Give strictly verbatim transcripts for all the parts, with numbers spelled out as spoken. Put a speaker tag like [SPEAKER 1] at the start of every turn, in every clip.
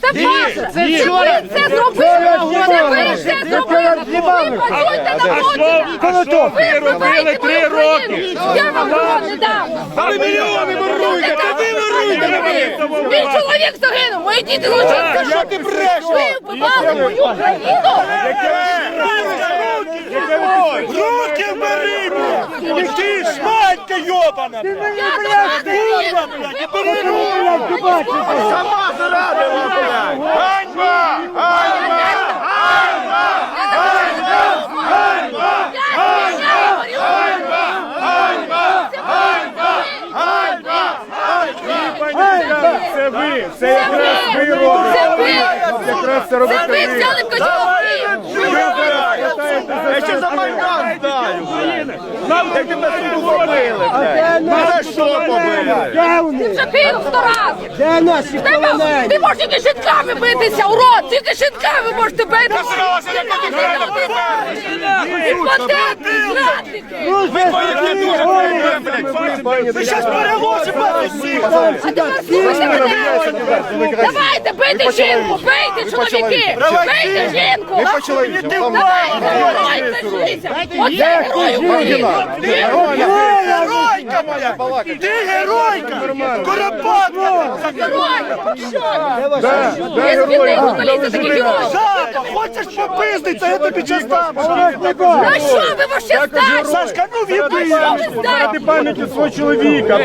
[SPEAKER 1] Це факт. Це ви це зробили. Це ви це зробили. Ви працюєте на моді. Ви робили три роки. Я вам його не дам.
[SPEAKER 2] А ви мільйони воруєте, та ви воруєте!
[SPEAKER 1] Мій чоловік загинув, мої діти злочинці.
[SPEAKER 2] Що ти брешеш?
[SPEAKER 1] Ви вбивали мою країну.
[SPEAKER 2] Руки бери, блядь! Ти шматька йобана! Курва, блядь, бери руки! Сама зарадила, блядь! Ганьба! Ганьба! Ганьба! Ганьба! Ганьба! Ганьба! Ганьба! Ганьба!
[SPEAKER 3] Це ви, це якраз ви робите.
[SPEAKER 1] Це ви.
[SPEAKER 3] Якраз це
[SPEAKER 1] Це
[SPEAKER 3] робите
[SPEAKER 1] ви
[SPEAKER 3] ви.
[SPEAKER 1] взяли в кочовки.
[SPEAKER 2] Я ще за Майдан знаю, нам так тебе тут побили, блядь. За що побили?
[SPEAKER 1] Ти вже кинув сто разів.
[SPEAKER 4] Де наші
[SPEAKER 1] Тебе-
[SPEAKER 4] полонені?
[SPEAKER 1] Ти можеш тільки щитками битися, урод! Тільки щитками можете битися! Імпотенти, зрадники!
[SPEAKER 2] Ви щас переможемо всіх!
[SPEAKER 1] А тепер слухайте мене! Давайте, бийте жінку! Бийте, чоловіки! Бийте жінку!
[SPEAKER 2] Ми почали йти.
[SPEAKER 1] Давайте, герой, кажіться! Оце герой України!
[SPEAKER 2] Геройка моя! Ти геройка! Коропатка!
[SPEAKER 1] Герой! Що?
[SPEAKER 3] Да, да,
[SPEAKER 1] Є
[SPEAKER 3] герої.
[SPEAKER 1] звільнив журналіста таких героїв!
[SPEAKER 2] Жаба, хочеш попиздиться, я тобі час дам!
[SPEAKER 1] На що ви вообще здачі?
[SPEAKER 2] Сашка, ну
[SPEAKER 1] На
[SPEAKER 2] відбий!
[SPEAKER 1] що ви
[SPEAKER 3] Заради
[SPEAKER 1] здачі?
[SPEAKER 3] пам'яті свого чоловіка.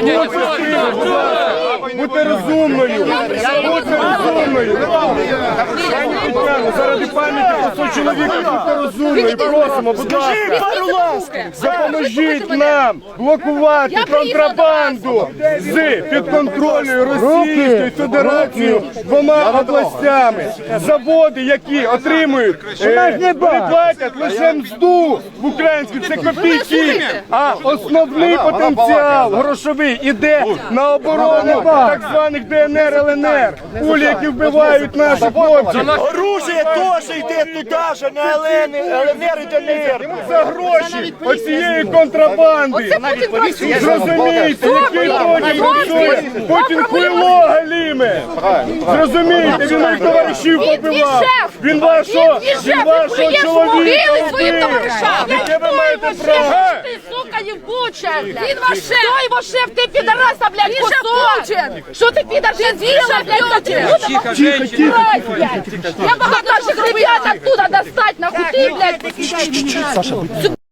[SPEAKER 3] Будьте розумною. Будьте розумною. Пані Тетяно, заради пам'яті свого чоловіка будьте розумною. Просимо, будь ласка.
[SPEAKER 2] Пару ласк!
[SPEAKER 3] Допоможіть нам блокувати
[SPEAKER 1] Я приїхала
[SPEAKER 3] контрабанду з підконтрольною Російською Федерацією двома областями. Заводи, які отримують, е, не платять лише мзду в українську, це копійки. А основний потенціал грошовий іде на оборону так званих Д Н Р, Л Н Р. Кулі, які вбивають наших хлопців.
[SPEAKER 2] Оружие теж йде туди ж, на Л Н Р і Д Н Р.
[SPEAKER 3] За гроші оцієї контрабанди.
[SPEAKER 1] Оце Путін працює.
[SPEAKER 3] Зрозумійте, який Путін працює. Путін хуйло галіме. Зрозумійте, він моїх товаришів
[SPEAKER 1] Він твій
[SPEAKER 3] побивав.
[SPEAKER 1] шеф!
[SPEAKER 3] Він вашого,
[SPEAKER 1] Він твій шеф!
[SPEAKER 3] він
[SPEAKER 1] Ви
[SPEAKER 3] вашого
[SPEAKER 1] плюєш
[SPEAKER 3] чоловіка
[SPEAKER 1] могили своїм
[SPEAKER 3] вбив.
[SPEAKER 1] товаришам!
[SPEAKER 3] Яке ви маєте
[SPEAKER 1] Хто
[SPEAKER 3] право?
[SPEAKER 1] його шеф? Ти, сука, євбуча! Він ваш шеф! Хто його шеф? Ти підараса, блядь, він же Путін! Що ти підар? Ти з'їла, блядь, Путін! Тихо, тихо, Я багато наших ребят оттуда достать, нахуй ти, блядь!